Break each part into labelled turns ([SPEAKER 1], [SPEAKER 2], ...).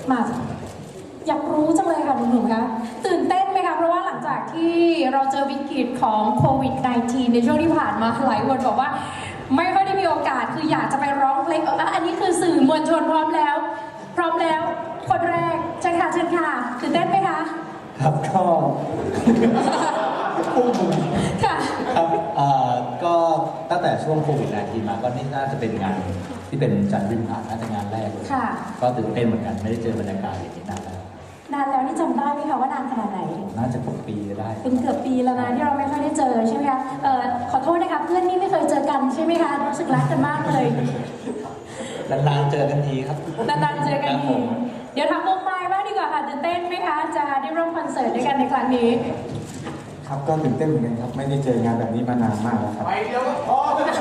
[SPEAKER 1] มาอยากรู้จังเลยค่ะหนุ่มๆคะตื่นเต้นไหมคะเพราะว่าหลังจากที่เราเจอวิกฤตของโควิด -19 ในช่วงที่ผ่านมาหลายคนบอกว่าไม่ค่อยได้มีโอกาสคืออยากจะไปร้องเพลงอันนี้คือสื่อมวลชนพร้อมแล้วคนแรกเชิญค่ะตื่นเต้นไหมคะ
[SPEAKER 2] ครับก็พุ่ง
[SPEAKER 1] ค่ะ
[SPEAKER 2] ครับก็ตั้งแต่ช่วงโควิด-19 มาก็นี่น่าจะเป็นงานที่เป็นจัดริมหาดน่าจะงานแรกเลยก็ตื่นเต้นเหมือนกันไม่ได้เจอบรรยากาศอย่างนี้นานแล้ว
[SPEAKER 1] นี่จำได้ไหมคะว่านานขนาดไหน
[SPEAKER 2] น่าจะปีได้
[SPEAKER 1] เป็นเกือบปีแล้วนะที่เราไม่ค่อยได้เจอใช่ไหมคะขอโทษนะคะเพื่อนนี่ไม่เคยเจอกันใช่ไหมคะรู้สึกรักกันมากเลย
[SPEAKER 2] นานๆเจอกันทีครับ
[SPEAKER 1] นานๆเจอกันทีเดี๋ยวทำวงไม้บ้างดีกว่าค่ะตื่นเต้นไหมคะจะได้ร่วมคอนเสิร์ตด้วยกันในครั้งนี้
[SPEAKER 3] ครับก็ตื่นเต้นเหมือนกันครับไม่ได้เจองานแบบนี้มานานมากแล้วครับ
[SPEAKER 4] ไปเดียวก็พอ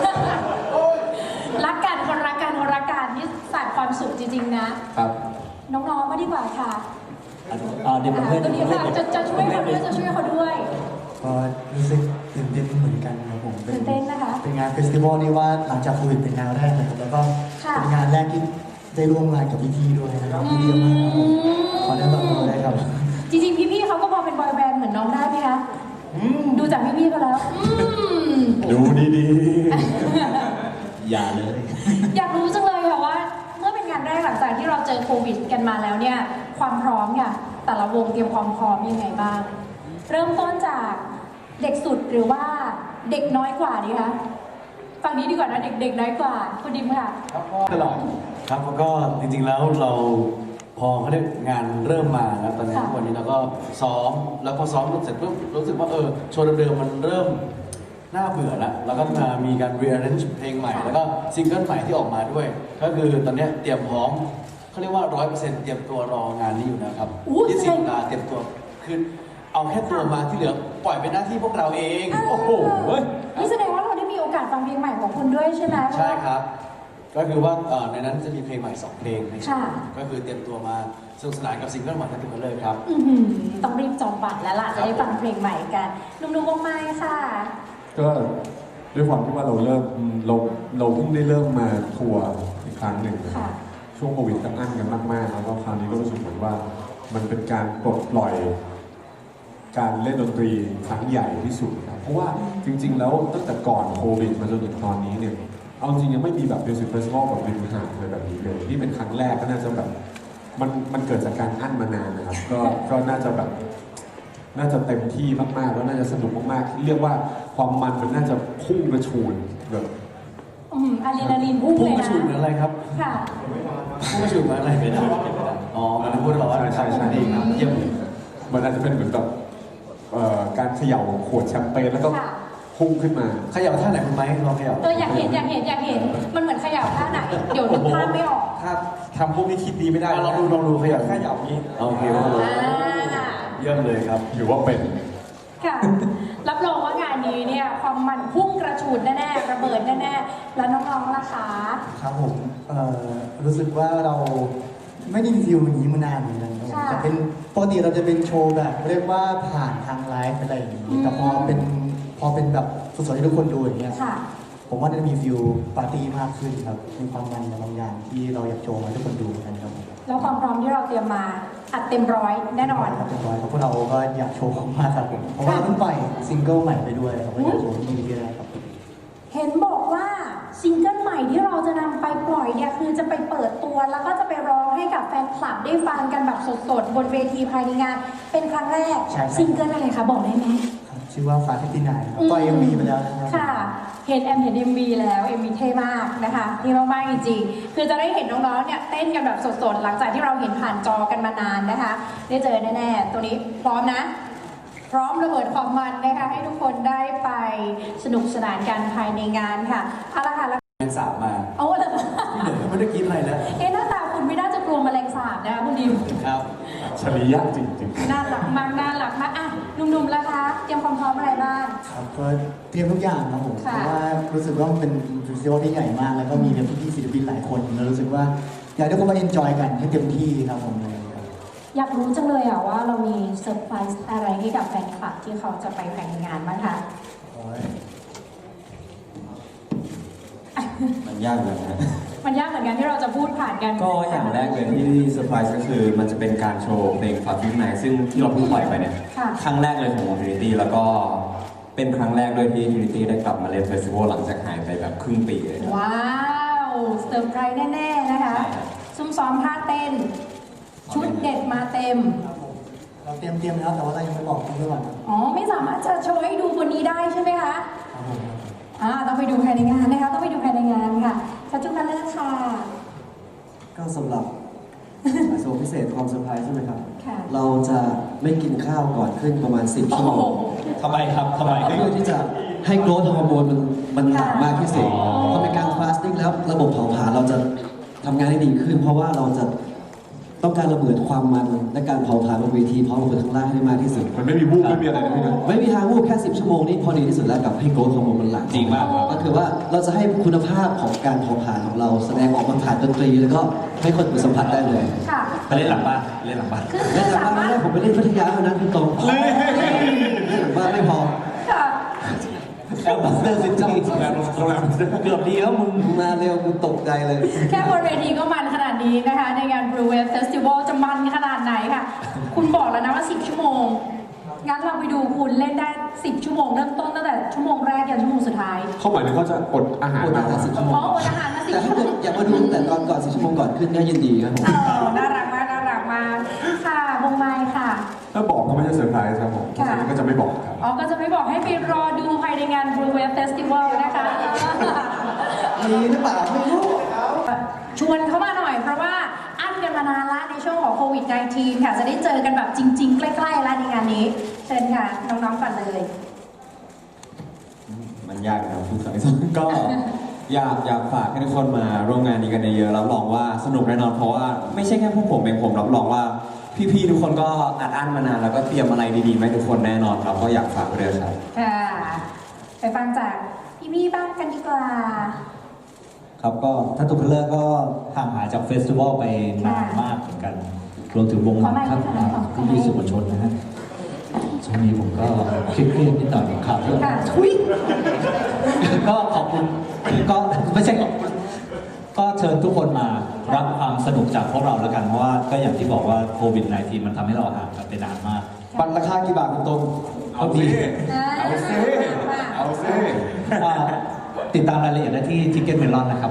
[SPEAKER 1] รักกันคนรักกันนี่สานความสุขจริงๆนะครับน้องๆมาดีกว่าค่ะ
[SPEAKER 2] เดี๋ยวเพื่อน
[SPEAKER 1] ตัวนี้ค่ะจะช่วยเขาด้วย
[SPEAKER 3] ก็รู้สึกตื่นเต้นเหมือนกันครับผม
[SPEAKER 1] ตื่นเต้นนะคะ
[SPEAKER 3] เป็นงานเฟสติวัลที่ว่าหลังจากโควิดเป็นงานแรกนะครับแล้วก็เป็นงานแรกที่ได้ร่วมงานกับพี่ๆด้วยนะครับพี่เยอะมากครับขอได้รับรู้ได้ครับ
[SPEAKER 1] จริงๆพี่ๆเขาก็พอเป็นบอยแบนด์เหมือนน้องได้ไหมคะดูจากพี่ๆเขาแล้ว
[SPEAKER 3] ดูดี
[SPEAKER 2] ๆอย่าเลย
[SPEAKER 1] อยากรู้จังเลยค่ะว่าเมื่อเป็นงานแรกหลังจากที่เราเจอโควิดกันมาแล้วเนี่ยความพร้อมค่ะแต่ละวงเตรียมความพร้อมยังไงบ้างเริ่มต้นจากเด็กสุดหรือว่าเด็กน้อยกว่าดีคะฝั่งนี้ดีกว่านะเด็กน้อยกว่าคุณดิมค่ะ
[SPEAKER 5] ตลอดครับแล้วก็จริงๆแล้วเราพอเขาได้งานเริ่มมาแล้วตอนนี้วันนี้เราก็ซ้อมแล้วพอซ้อมเสร็จปุ๊บรู้สึกว่าโชว์เดิมๆมันเริ่มน่าเบื่อแล้วก็มามีการ rearrange เพลงใหม่แล้วก็ซิงเกิลใหม่ที่ออกมาด้วยก็คือตอนนี้เตรียมพร้อมเขาเรียกว่า 100% เตรียมตัวรองานนี้อยู่นะครับที่สิงห์ลาเตรียมตัวคือเอาแค่ตัวมาที่เหลือปล่อยเป็นหน้าที่พวกเราเองโอ้โห
[SPEAKER 1] นี่แสดงว่าเราได้มีโอกาสฟังเพลงใหม่ของคุณด้วยใช่ไหม
[SPEAKER 5] ใช่ครับก็คือว่าในนั้นจะมีเพลงใหม่2เพลงก็คือเตรียมตัวมาสนุกสนานกับซิงเกิลใหม่ทั้งทุกคนเลยครับ
[SPEAKER 1] ต้องรีบจองบัตรแล้วล่ะจะได้ฟังเพลงใหม่กันนุ่มๆวงไม้ค่ะ
[SPEAKER 6] ก็ด้วยความที่ว่าเราเพิ่งได้เริ่มมาทัวร์อีกครั้งหนึ่งช่วงโควิดก็อั้นกันมากๆแล้วก็คราวนี้ก็รู้สึกเหมือนว่ามันเป็นการปลดปล่อยการเล่นดนตรีครั้งใหญ่ที่สุดครับเพราะว่าจริงๆแล้วตั้งแต่ก่อนโควิดมาจนถึงตอนนี้เนี่ยเอาจริงยังไม่มีแบบมิวสิคเฟสติวัลแบบริมหาดเลยแบบนี้เลยนี่เป็นครั้งแรกก็น่าจะแบบมันเกิดจากการอั้นมานานนะครับก็น่าจะแบบน่าจะเต็มที่มากๆแล้วน่าจะสนุกมากๆเรียกว่าความมันน่าจะพุ่งกระฉูดแบบ
[SPEAKER 1] อะดรีนาลีนพุ่งเลยนะ
[SPEAKER 5] พุ่งกระฉูดเหมือนอะไรครับ
[SPEAKER 1] ค่ะ
[SPEAKER 5] พุ่งกระฉูดเหมือนอะไรไม่ได้อ๋อมันพูดร้อน
[SPEAKER 6] ใช่
[SPEAKER 5] ดีครับเยี่ยม
[SPEAKER 6] มันอาจจะเป็นเหมือนแบบการเขย่าขวดแชมเปญแล้วก็พุ่งขึ้นมา
[SPEAKER 5] เขย่าท่าไหนคุณไหมลองเขย่า
[SPEAKER 1] อยากเห็นมันเหมือนเขย่าท่าไหนเดี๋ยวนึกภาพไม่ออก
[SPEAKER 5] ถ้าทำพวกนี้คิดดีไม่ได้ลองดูเขย่านี้โอเคเยี่ยมเลยครับ
[SPEAKER 6] อยู่ว่าเป็น
[SPEAKER 1] ค่ะรับรองว่างานนี้เนี่ยความมันพุ่งกระฉูดแน่ๆระเบิดแน่ๆแล้วน้องๆล่ะคะ
[SPEAKER 3] ครับผมรู้สึกว่าเราไม่ได้มีฟิลอย่างนี้มานานเหมือนกันจะเป็นปกติเราจะเป็นโชว์แบบเรียกว่าผ่านทางไลฟ์อะไรอย่างนี้แต่พอเป็นแบบสดๆให้ทุกคนดูอย่างเงี้ยผมว่าจะมีฟิลปาร์ตี้มากขึ้นครับมีความมันบางอย่างที่เราอยากโชว์ให้ทุกคนดูกันครับ
[SPEAKER 1] แล้วความพร้อมที่เราเตรียมมาอัดเต็มร้อยแน่นอน
[SPEAKER 3] เต็มร้อยเพราะเราก็อยากโชว์มากครับผมเพราะว่าเพิ่งปล่อยซิงเกิลใหม่ไปด้วยครับก็อยากโชว์ที่นี่ได้ครับ
[SPEAKER 1] เห็นบอกว่าซิงเกิลใหม่ที่เราจะนำไปปล่อยเนี่ยคือจะไปเปิดตัวแล้วก็จะไปร้องให้กับแฟนคลับได้ฟังกันแบบสดๆบนเวทีภายในงานเป็นครั้งแรกซิงเกิลอะไรคะบอกได้ไหม
[SPEAKER 3] ชื่อว่าฟ้าที่ไหนปล่อย MV ไปแล้วนะครับ
[SPEAKER 1] ค่ะเห็นเอ็มวีแล้วMVเท่มากนะคะเท่มากๆจริงๆคือจะได้เห็นน้องๆเนี่ยเต้นกันแบบสดๆหลังจากที่เราเห็นผ่านจอกันมานานนะคะได้เจอแน่ๆตัวนี้พร้อมนะพร้อมระเบิดความมันนะคะให้ทุกคนได้ไปสนุกสนานกันภายในงานค่ะเอาละค่ะ
[SPEAKER 5] แมลงสาบมา
[SPEAKER 1] เอาละ
[SPEAKER 5] ที่เหลือไม่ได้กินอะไรแล้ว
[SPEAKER 1] หน้าตาคุณไม่น่าจะกลัวแมลงสาบนะคะคุณดิม
[SPEAKER 5] ครับ
[SPEAKER 6] ฉลียะจริง
[SPEAKER 1] ๆน่ารักมากอ่ะหนุ่มๆล่ะคะเตรียมความพร้อมอะไรบ้าง
[SPEAKER 3] ครับก็เตรียมทุกอย่างครับผมเพราะว่ารู้สึกว่ามันเป็นเฟสติวัลที่ใหญ่มากแล้วก็มีพี่ๆศิลปินหลายคนแล้วรู้สึกว่าอยากให้ทุกคนมาเอนจอยกันให้เต็มที่ครับผมเลย
[SPEAKER 1] อยากรู้จังเลยว่าเรามีเซอร์ไพรส์อะไรให้กับแฟนคลับที่เขาจะไปแข่งงานบ้างคะ
[SPEAKER 2] มันยากเลยนะ
[SPEAKER 1] มันยากเหมือนกันที่เราจะพูดผ่านกัน
[SPEAKER 4] ก็อย่างแรกเลยที่เซอร์ไพรส์ก็คือมันจะเป็นการโชว์เพลงฟาฟิวไนซึ่งที่เราเพิ่งปล่อยไปเนี่ย
[SPEAKER 1] ค่ะ
[SPEAKER 4] ครั้งแรกเลยของวง Trinity แล้วก็เป็นครั้งแรกด้วยที่ Trinity ได้กลับมาเล่นเฟสติวัลหลังจากหายไปแบบครึ่งปีเลยครับ
[SPEAKER 1] ว้าวเซอร์ไพรส์แน่ๆนะคะซุ่มซ้อมท่าเต้น ชุดเด็ดมาเต็ม
[SPEAKER 3] เราเตรียมแล้วแต่ว่าเรายังไม่บอกคุณด้วยก่อนครับ
[SPEAKER 1] อ๋อ ไม่สามารถจะโชว์ให้ดูบนนี้ได้ใช่ไหมคะ
[SPEAKER 3] ครับผม
[SPEAKER 1] ต้องไปดูภายในงานนะคะ ต้องไปดูภายในงานค่ะชัชจุกันเลยค่ะ
[SPEAKER 7] ก็สำหรับ โชว์พิเศษความเซอร์ไพรส์ใช่ไหมครับ
[SPEAKER 1] ค่ะ
[SPEAKER 7] เราจะไม่กินข้าวก่อนขึ้นประมาณ 10 ชั่วโมง
[SPEAKER 2] ทำไมครับทำไม
[SPEAKER 7] เพื่อที่จะให้โกรทฮอร์โมนมันหนักมากที่สุด
[SPEAKER 2] อ๋อ
[SPEAKER 7] พอเป็นการฟาสติ้งแล้วระบบเผาผลาญเราจะทำงานได้ดีขึ้น เพราะว่าเราจะต้องการระเบิดความมันและการเผาผลาญบนเวทีพร้อมระเบิดข้างล่างให้ได้มากที่สุด
[SPEAKER 6] มันไม่มีวูบไม่มีอะไรนะพี่นะ
[SPEAKER 7] ไม่มีทางวูบแค่ 10 ชั่วโมงนี่พอดีที่สุดแล้วกับให้โกรทฮอร์โมนมันหลั่ง
[SPEAKER 2] จริงมากครับ
[SPEAKER 7] ก็คือว่าเราจะให้คุณภาพของการเผาผลาญของเราแสดงออกมาผ่านดนตรี แล้วก็ให้คนอื่นสัมผัสได้เลย
[SPEAKER 1] ค่ะ
[SPEAKER 2] ไปเล่นหลังบ้านเล่นหลังบ้าน
[SPEAKER 1] คือ
[SPEAKER 7] เล่นหลัง
[SPEAKER 1] สา
[SPEAKER 7] บ้าน
[SPEAKER 1] มารถ
[SPEAKER 7] ได้ผมไปเล่นพัทยาเท่านั้นพี่ตรงเล่นหลังบ้านไม่พอ
[SPEAKER 1] ค่ะ
[SPEAKER 2] แอลบัสเตอร์ซิตี้เกือบดีแล้วมึง
[SPEAKER 7] มาเร็วกูตกใจเลย
[SPEAKER 1] แค่บนเวทีก็มันขนาดนี้นะคะ ในงาน Blue Wave Festival จะมันขนาดไหนค่ะ คุณบอกแล้วนะว่า 10 ชั่วโมง งั้นเราไปดูคุณเล่นได้ 10 ชั่วโมง เริ่มต้นตั้งแต่ชั่วโมงแรกยันชั่วโมงสุดท้าย
[SPEAKER 6] เขาหมายถึงเขาจะอดอาหาร
[SPEAKER 7] อด
[SPEAKER 6] มา
[SPEAKER 7] อาหาร10 ชั่วโมง
[SPEAKER 1] อ๋ออดอาหารมา10
[SPEAKER 7] แต่
[SPEAKER 1] ชั่
[SPEAKER 7] ถ้าว
[SPEAKER 1] โม
[SPEAKER 7] เกิด
[SPEAKER 1] ง
[SPEAKER 7] อยากมาดูตั้งแต่ก่อน10 ชั่วโมงก่อนขึ้นก็ยินดีครับผม
[SPEAKER 1] น่ารักมากน่ารักมากค่ะวงไม้ค่ะ
[SPEAKER 6] ถ้าบอกก็ไม่ใช่เซอร์ไพรส์ครับผมเพราะฉะนั้นก็จะไม่บอกครับ
[SPEAKER 1] อ๋อ ก็จะไม่บอกให้ไปรอดูภายในงาน Blue Wave Festival นะคะ
[SPEAKER 7] มีหรือเปล่าไม่รู้
[SPEAKER 1] ชวนเข้ามาหน่อยเพราะว่าอั้นกันมานานละในช่วงของโควิด -19 ค่ะ จะได้เจอกันแบบจริง ๆ ใกล้ๆแล้วในงานนี้ เชิญค่ะ น้องๆก่อนเลย
[SPEAKER 4] มันยากนะครับทุกครั้งก็อยากฝากให้ทุกคนมาร่วมงานนี้กันเยอะๆรับรองว่าสนุกแน่นอนเพราะว่าไม่ใช่แค่พวกผมเองผมรับรองว่าพี่ๆทุกคนก็อัดอั้นมานานแล้วก็เตรียมอะไรดีๆมาให้ทุกคนแน่นอนครับก็อยากฝากไว้ด้วยครับ
[SPEAKER 1] ค่ะ ไปฟังจากพี่ๆบ้างกันดีกว่า
[SPEAKER 2] ครับก็ถ้าตุกเลอร์ก็ห่างหายจากเฟสติวัลไปนานมากเหมือนกัน รวมถึงวงหลังท่านพี่ๆสื่อมวลชนนะฮะช่วงนี้ผมก็เครียดๆนิดหน่อยกับข่าวเรื่อง
[SPEAKER 1] ค่ะทุย
[SPEAKER 2] ก็ขอบคุณก็ไม่ใช่ขอบคุณก็เชิญทุกคนมารับความสนุกจากพวกเราแล้วกันเพราะว่าก็อย่างที่บอกว่าโควิด -19 มันทำให้เราห่างกันไปนานมาก
[SPEAKER 7] บัตรราคากี่บาทคุณตรง
[SPEAKER 6] เอาสิเอาสิเอาสิ
[SPEAKER 2] อ่าติดตามรายละเอียดได้ที่ Ticket Melon นะครับ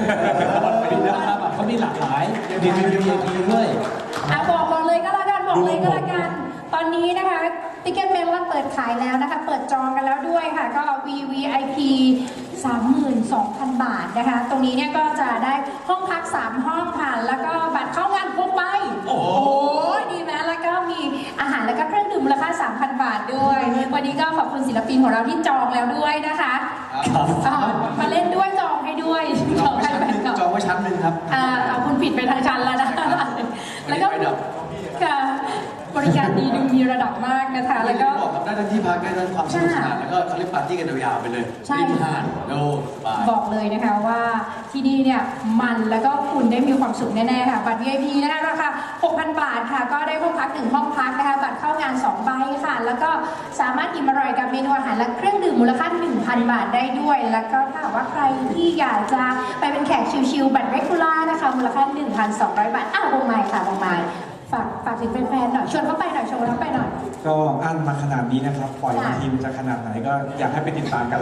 [SPEAKER 2] เขามีหลากหลายมี VIP ด้วย
[SPEAKER 1] บอกเลยก็แล้วกันบอกเลยก็แล้วกัน ตอนนี้นะคะ Ticket Melon เปิดขายแล้วนะคะ เปิดจองกันแล้วด้วยค่ะ ก็ VVIP 32,000 บาทนะคะ ตรงนี้เนี่ยก็จะได้ห้องพัก 3 ห้องค่ะ แล้วก็บัตรเข้างานพกไป โอ้โหดีไหมแล้วก็มีอาหารแล้วก็เครื่องดื่มมูลค่า 3,000 บาทด้วย วันนี้ก็ขอบคุณศิลปินของเราที่จองแล้วด้วยนะคะ มาเล่นด้วยจองให้ด้วยจองให้แฟนคลับ
[SPEAKER 5] จองไว้ชั้นหนึ่งครับ
[SPEAKER 1] เอาคุณผิดไปทางชั้นแล้วนะ แล้วก็ค่ะบริการดีดูมีระดับมากนะคะ แล้วก็
[SPEAKER 5] บอกครับได้ทั้งที่พักได้ทั้งความสนุกสนานแล้วก็เขาเรียกปาร์ตี้กันยาวๆไปเลย
[SPEAKER 1] ใช่
[SPEAKER 5] ริมหาดโดบาย
[SPEAKER 1] บอกเลยนะคะว่าที่นี่เนี่ยมันแล้วก็คุณได้มีความสุขแน่ๆค่ะ บัตร VIP นะคะราคา 6,000 บาทค่ะ ก็ได้ห้องพัก1ห้องพักนะคะ บัตรเข้างาน2ใบค่ะ แล้วก็สามารถอิ่มอร่อยกับเมนูอาหารและเครื่องดื่มมูลค่า 1,000 บาทได้ด้วย แล้วก็ถ้าหากว่าใครที่อยากจะไปเป็นแขกชิลๆบัตร regular นะคะมูลค่า 1,200 บาทวงไม้ค่ะวงไม้ฝากถึงแฟนๆหน่อยชวนเขาไปหน่อยชวนเขาไปหน่อย
[SPEAKER 8] ก็อั้นมาขนาดนี้นะครับ ปล่อย
[SPEAKER 1] ค่ะ
[SPEAKER 8] ทีมจะขนาดไหนก็อยากให้ไปติดตามกันเลย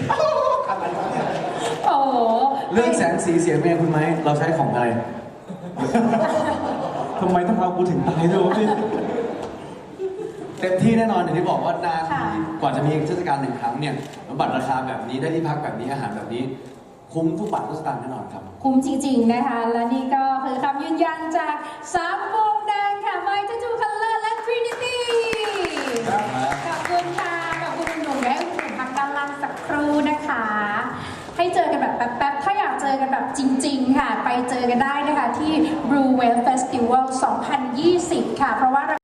[SPEAKER 1] โอ้โห
[SPEAKER 5] เรื่องแสงสีเสียงเมียคุณไหมเราใช้ของอะไร
[SPEAKER 8] ทำไมต้องเอากูถึงตายด้วยวะพี่
[SPEAKER 5] เต็มที่แน่นอนอย่างที่บอกว่านาน
[SPEAKER 1] ค่ะ
[SPEAKER 5] กว่าจะมีเทศกาล1 ครั้งเนี่ยบัตรราคาแบบนี้ได้ที่พักแบบนี้อาหารแบบนี้ คุ้มทุกบาททุกสตางค์แน่นอนครับ
[SPEAKER 1] คุ้มจริงๆนะคะ และนี่ก็คือคำยืนยันจาก3วงดังค่ะ My Tattoo Color และ Trinity ขอบคุณค่ะ ขอบคุณหนุ่มๆและคุณพักด้านล่างสักครู่นะคะ ให้เจอกันแบบแป๊บๆ ถ้าอยากเจอกันแบบจริงๆ ค่ะ ไปเจอกันได้นะคะที่ Blue Wave Festival 2020 ค่ะ เพราะว่า